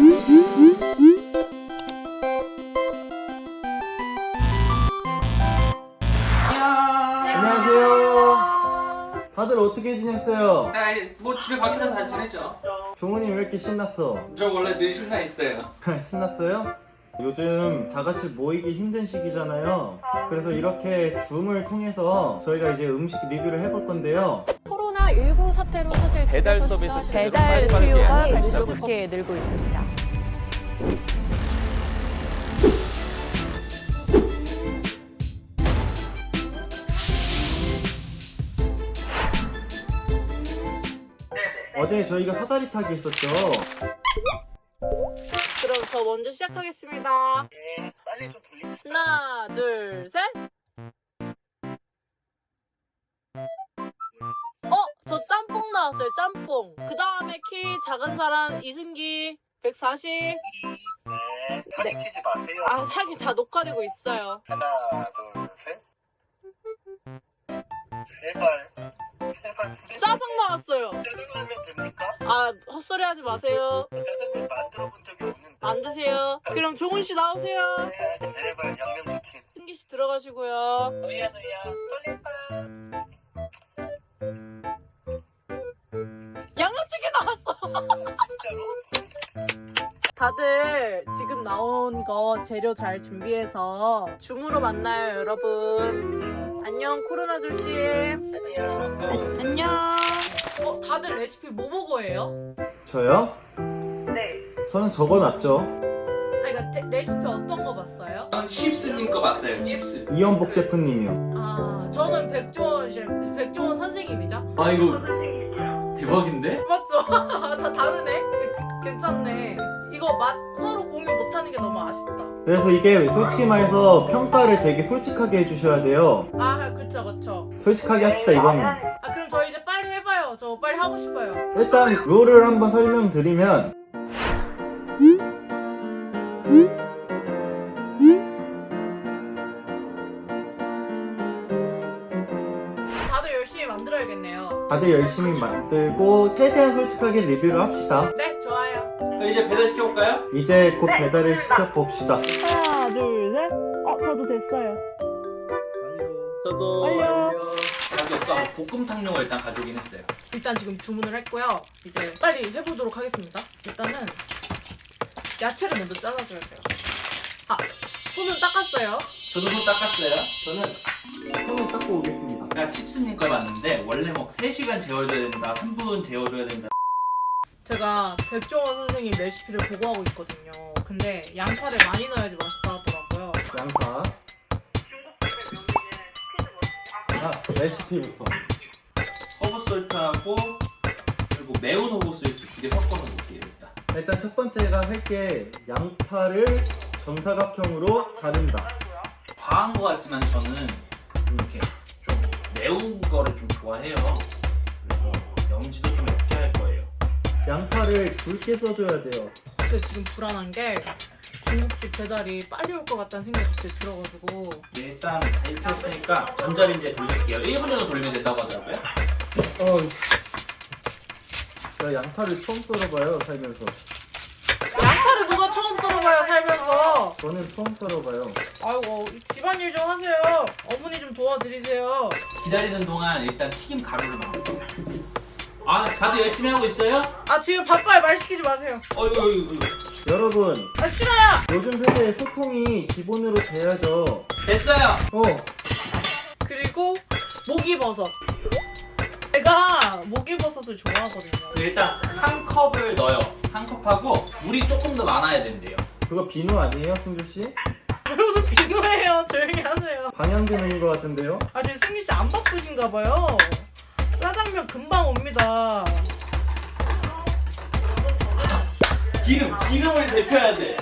안녕하세요. 다들 어떻게 지냈어요? 뭐 집에 밖에서 다 지냈죠. 종훈이 왜 이렇게 신났어? 저 원래 늘 신나 있어요. 신났어요? 요즘 다 같이 모이기 힘든 시기잖아요. 그래서 이렇게 줌을 통해서 저희가 이제 음식 리뷰를 해볼 건데요. 코로나19 사태로 사실 배달 집에서 서비스 식사하시는 배달 분들이 수요가 많이 급속히 늘고 있습니다. 어제 저희가 사다리 타기 했었죠. 그럼 저 먼저 시작하겠습니다. 네, 빨리 좀 돌리겠습니다. 하나, 둘, 셋. 저 짬뽕 나왔어요. 짬뽕. 그 다음에 키 작은 사람 이승기 140. 네, 사진 치지 마세요. 아, 사기 다 녹화되고 있어요. 하나, 둘, 셋. 제발, 제발. 짜장 나왔어요. 짜장라면 됩니까? 아, 헛소리 하지 마세요. 짜장면 만들어 본 적이 없는데. 안 드세요. 그럼 종훈 씨 나오세요. 제발 양념치킨. 승기 씨 들어가시고요. 너야 돌림판. 양념치킨 나왔어. 진짜로? 다들 지금 나온 거 재료 잘 준비해서 줌으로 만나요, 여러분. 안녕, 코로나 조심. 안녕. 안녕. 다들 레시피 뭐 보고 해요? 저요? 네. 저는 적어놨죠. 그러니까 레시피 어떤 거 봤어요? 저는 칩스님 거 봤어요. 칩스. 이연복 셰프님이요. 아, 저는 백종원 선생님이죠. 아 이거 대박인데? 맞죠? 다 다르네. 괜찮네. 이거 맛 서로 공유 못하는 게 너무 아쉽다. 그래서 이게 솔직히 말해서 평가를 되게 솔직하게 해주셔야 돼요. 아, 그쵸. 솔직하게 합시다 이거는. 아, 그럼 저희 이제 빨리 해봐요. 저 빨리 하고 싶어요. 일단 룰을 한번 설명드리면 다들 열심히 만들어야겠네요. 다들 열심히 만들고 최대한 솔직하게 리뷰를 합시다. 네, 좋아요. 이제 배달 시켜볼까요? 이제 곧 배달을 시켜봅시다. 하나, 둘, 셋. 저도 됐어요. 저도 완료. 여기 아까 볶음탕용을 일단 가져오긴 했어요. 일단 지금 주문을 했고요. 이제 빨리 해보도록 하겠습니다. 일단은 야채를 먼저 잘라줘야 돼요. 아, 손은 닦았어요. 저도 손 닦았어요. 저는 손을 닦고 오겠습니다. 제가 칩스님 걸 봤는데 원래 뭐 3시간 재워줘야 된다, 3분 재워줘야 된다. 제가 백종원 선생님 레시피를 보고하고 있거든요. 근데 양파를 많이 넣어야지 맛있다 하더라고요. 양파. 레시피부터. 허브솔트하고 그리고 매운 허브솔트 2개 섞어서 넣을게요. 일단 첫 번째가 할 게 양파를 정사각형으로 자른다. 과한 것 같지만 저는 이렇게 좀 매운 거를 좀 좋아해요. 그래서 염지도 좀 적게 할 거예요. 양파를 굵게 써줘야 돼요. 근데 지금 불안한 게 중국집 배달이 빨리 올 것 같다는 생각이 갑자기 들어가지고. 일단 다 이렇게 했으니까 전자레인지에 돌릴게요. 1분 정도 돌리면 된다고 하더라고요. 나 양파를 처음 썰어봐요 살면서. 양파를 누가 처음 썰어봐요, 살면서. 저는 처음 썰어봐요. 아이고, 집안일 좀 하세요. 어머니 좀 도와드리세요. 기다리는 동안 일단 튀김 가루를 만들고. 아, 다들 열심히 하고 있어요? 아, 지금 바빠요. 말 시키지 마세요. 어이구. 여러분, 아, 싫어요. 요즘 세대에 소통이 기본으로 돼야죠. 됐어요. 그리고 목이버섯. 제가 목이버섯을 좋아하거든요. 일단 한 컵을 넣어요. 한 컵하고 물이 조금 더 많아야 된대요. 그거 비누 아니에요, 승주씨? 무슨 비누예요. 조용히 하세요. 방향되는 것 같은데요? 아, 지금 승기씨 안 바쁘신가 봐요. 짜장면 금방 옵니다. 기름을 데펴야 돼.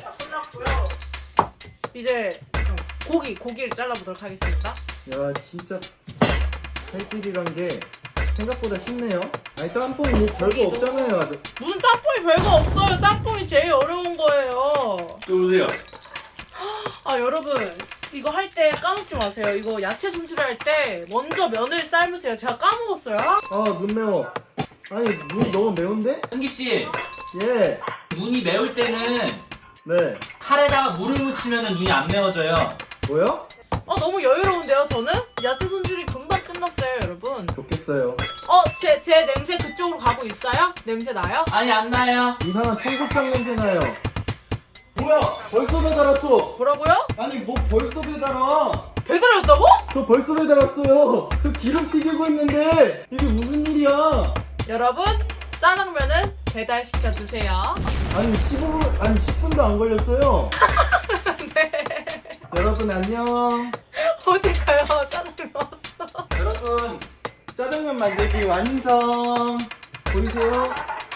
이제 고기를 잘라보도록 하겠습니다. 야, 진짜 칼질이란 게 생각보다 쉽네요. 아니, 짬뽕이 뭐 별거 없잖아요. 아주. 무슨 짬뽕이 별거 없어요. 짬뽕이 제일 어려운 거예요. 보세요. 아, 여러분, 이거 할 때 까먹지 마세요. 이거 야채 손질할 때 먼저 면을 삶으세요. 제가 까먹었어요. 눈 매워. 아니, 눈 너무 매운데? 승기 씨, 예. 눈이 매울 때는 네. 칼에다가 물을 묻히면 눈이 안 매워져요. 뭐요? 너무 여유로운데요 저는? 야채 손질이 금방 끝났어요 여러분. 좋겠어요. 제 냄새 그쪽으로 가고 있어요? 냄새 나요? 아니 안 나요. 이상한 청국장 냄새 나요. 뭐야? 벌써 배달 왔어. 뭐라고요? 아니 뭐 벌써 배달 와? 배달했다고? 저 벌써 배달 왔어요. 저 기름 튀기고 있는데 이게 무슨 일이야? 여러분 짜장면은 배달시켜 드세요. 아니 10분도 안 걸렸어요. 네. 여러분 안녕. 어디 가요? 짜장면 왔어. 여러분 짜장면 만들기 완성. 보이세요?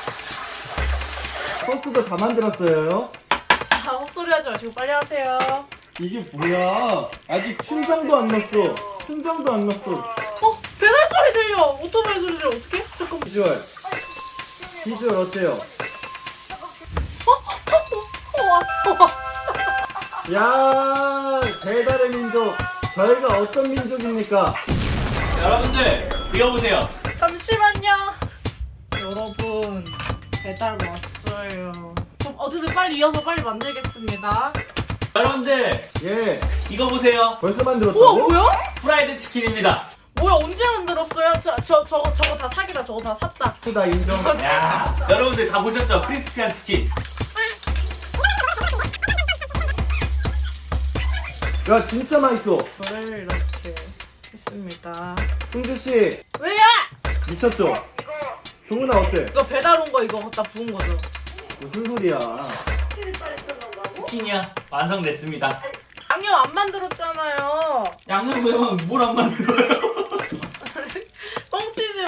소스도 다 만들었어요. 헛소리 하지 마시고 빨리 하세요. 이게 뭐야? 아직 춘장도 안 넣었어. 춘장도 안 넣었어. 배달 소리 들려. 오토바이 소리 들려. 어떡해? 잠깐만. 비주얼 어때요? 왔어. 야 배달의 민족. 저희가 어떤 민족입니까? 여러분들 이어보세요. 잠시만요. 여러분 배달 왔어요. 그럼 어쨌든 빨리 이어서 빨리 만들겠습니다. 여러분들 예. 이거 보세요. 벌써 우와 만들었다고? 뭐야? 프라이드 치킨입니다. 뭐야 언제 만들었어요? 저거 다 사기다. 저거 다 샀다. 나 인정. 야, 여러분들 다 보셨죠? 크리스피한 치킨. 야 진짜 맛있어. 저를 이렇게 했습니다. 승주씨 왜야? 미쳤죠? 종훈아 어때? 이거 배달 온 거 이거 갖다 부은 거죠? 무슨 소리야? 치킨이야 완성됐습니다. 양념 안 만들었잖아요. 양념 왜만 뭘 안 만들어요? 뻥치지 마.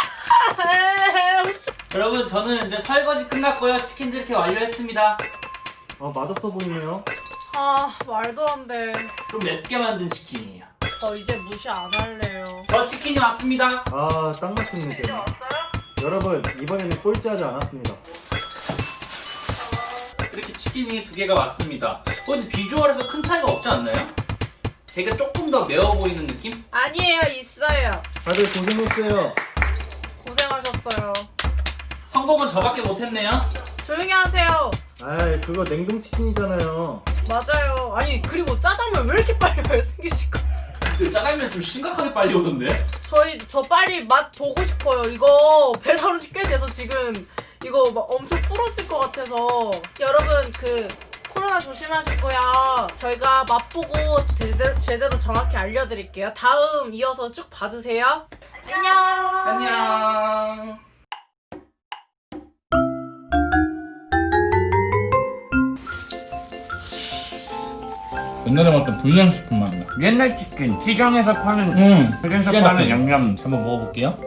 여러분 저는 이제 설거지 끝났고요. 치킨도 이렇게 완료했습니다. 아 맛없어 보이네요. 말도 안 돼. 좀 맵게 만든 치킨이에요. 저 이제 무시 안 할래요. 저 치킨이 왔습니다. 아 딱 맞췄네. 여러분 이번에는 꼴찌하지 않았습니다. 이렇게 치킨이 2개가 왔습니다. 근데 비주얼에서 큰 차이가 없지 않나요? 제가 조금 더 매워 보이는 느낌? 아니에요, 있어요. 다들 고생했어요. 고생하셨어요. 성공은 저밖에 못했네요. 조용히 하세요. 아이 그거 냉동치킨이잖아요. 맞아요. 아니 그리고 짜장면 왜 이렇게 빨리 와요, 승기 씨가? 그 짜장면 좀 심각하게 빨리 오던데? 저 빨리 맛 보고 싶어요. 이거 배달 온지 꽤 돼서 지금 이거 막 엄청 불었을 것 같아서. 여러분 코로나 조심하시고요. 저희가 맛보고 제대로 정확히 알려드릴게요. 다음 이어서 쭉 봐주세요. 안녕. 안녕. 옛날에 먹었던 불량식품 맛나. 옛날 치킨 시장에서 파는 시장에서 파는 양념 한번 먹어볼게요.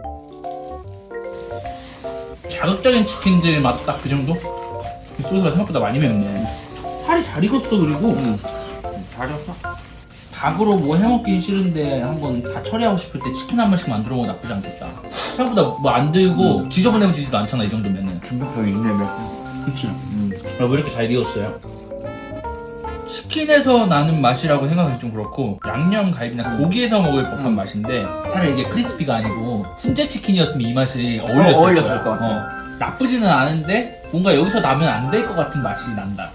자극적인 치킨들 맛 딱 그 정도? 이 소스가 생각보다 많이 맵네. 살이 잘 익었어. 그리고 잘 익었어? 닭으로 뭐 해먹긴 싫은데 한번 다 처리하고 싶을 때 치킨 한 번씩 만들어 먹으면 나쁘지 않겠다. 생각보다 뭐 안 들고 지저분해지지도 않잖아 이 정도면은. 중독성이 있네. 그치. 왜 이렇게 잘 익었어요? 치킨에서 나는 맛이라고 생각하기 좀 그렇고 양념 갈비나 고기에서 먹을 법한 맛인데 차라리 이게 크리스피가 아니고 훈제 치킨이었으면 이 맛이 어울렸을 것 같아요. 나쁘지는 않은데 뭔가 여기서 나면 안 될 것 같은 맛이 난다.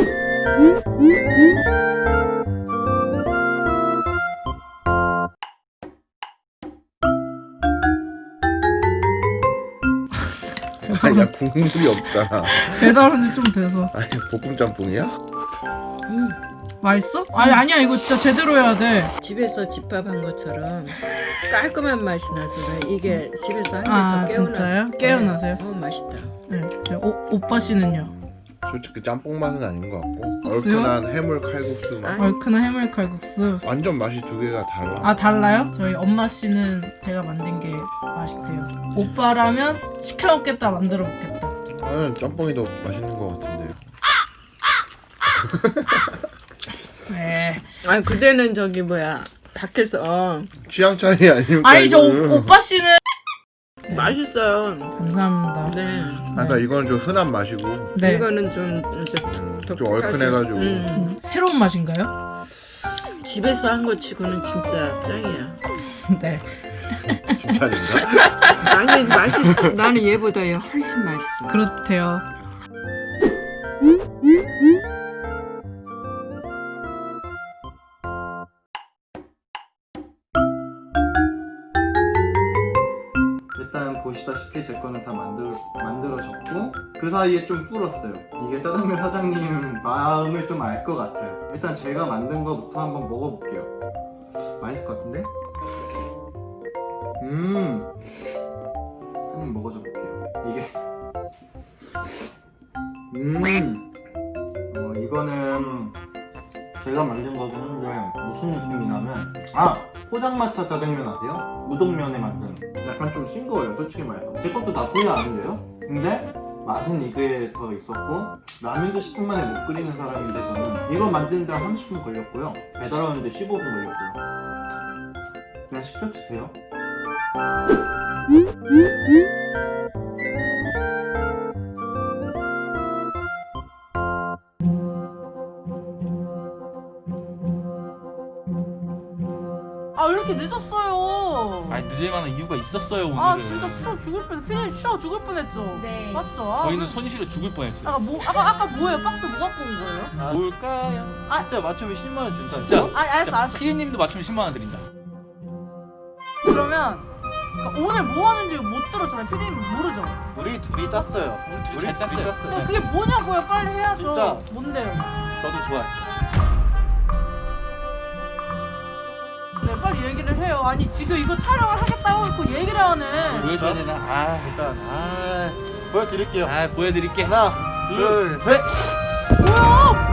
아니야 국물이 없잖아. 배달 온지 좀 돼서. 아니 볶음 짬뽕이야? 맛있어? 아니야 이거 진짜 제대로 해야 돼. 집에서 집밥한 것처럼 깔끔한 맛이 나서 그래. 이게 집에서 하면 더 개운하. 진짜요? 깨어나세요? 맛있다. 네. 오빠 씨는요? 솔직히 짬뽕 맛은 아닌 것 같고 없어요? 얼큰한 해물 칼국수 맛. 얼큰한 해물 칼국수. 완전 맛이 두 개가 달라. 달라요? 저희 엄마 씨는 제가 만든 게 맛있대요. 오빠라면 시켜 먹겠다, 만들어 먹겠다. 나는 짬뽕이 더 맛있는 것 같은데. 네. 아니 그대는 저기 뭐야 밖에서 취향 차이 아닙니까? 아니 저 이거는? 오빠 씨는 맛있어요. 감사합니다. 네. 그러니까 이거는 좀 흔한 맛이고 네. 이거는 좀 이제 좀 얼큰해가지고. 새로운 맛인가요? 집에서 한 거 치고는 진짜 짱이야. 네. 칭찬인가? 아니 맛있어. 나는 얘보다 훨씬 맛있어. 그렇대요. 일단 보시다시피 제 거는 다 만들어졌고 그 사이에 좀 불었어요. 이게 짜장면 사장님 마음을 좀 알 것 같아요. 일단 제가 만든 거부터 한번 먹어볼게요. 맛있을 것 같은데? 한입 먹어줘 볼게요. 이게 이거는 제가 만든 거긴 한데 무슨 느낌이냐면 포장마차 짜장면 아세요? 우동면에 만든 약간 좀 싱거워요 솔직히 말해서. 제 것도 나쁘지 않은데요? 근데 맛은 이게 더 있었고 라면도 10분 만에 못 끓이는 사람인데 저는 이거 만드는데 한 30분 걸렸고요 배달 오는데 15분 걸렸고요. 그냥 시켜 드세요. 왜 이렇게 늦었어요? 아니 늦을 만한 이유가 있었어요 오늘은. 아 진짜 추워 죽을 뻔. 피디님 추워 죽을 뻔했죠? 네. 맞죠? 저희는 손실에 죽을 뻔했어요. 아까 뭐예요? 박스 뭐 갖고 온 거예요? 뭘까요? 진짜 맞추면 10만원 준다. 진짜? 알았어. 피디님도 맞추면 10만 원 드린다. 그러면 그러니까 오늘 뭐 하는지 못 들었잖아요. 피디님 모르죠? 우리 둘이 짰어요. 우리 잘 짰어요. 근데 그게 뭐냐고요? 빨리 해야죠. 진짜. 뭔데요? 너도 좋아해. 네, 빨리 얘기를 해요. 아니 지금 이거 촬영을 하겠다고 했고 얘기를 하네. 보여줘야 되나? 일단 보여드릴게요. 보여드릴게. 하나, 둘, 셋. 뭐야?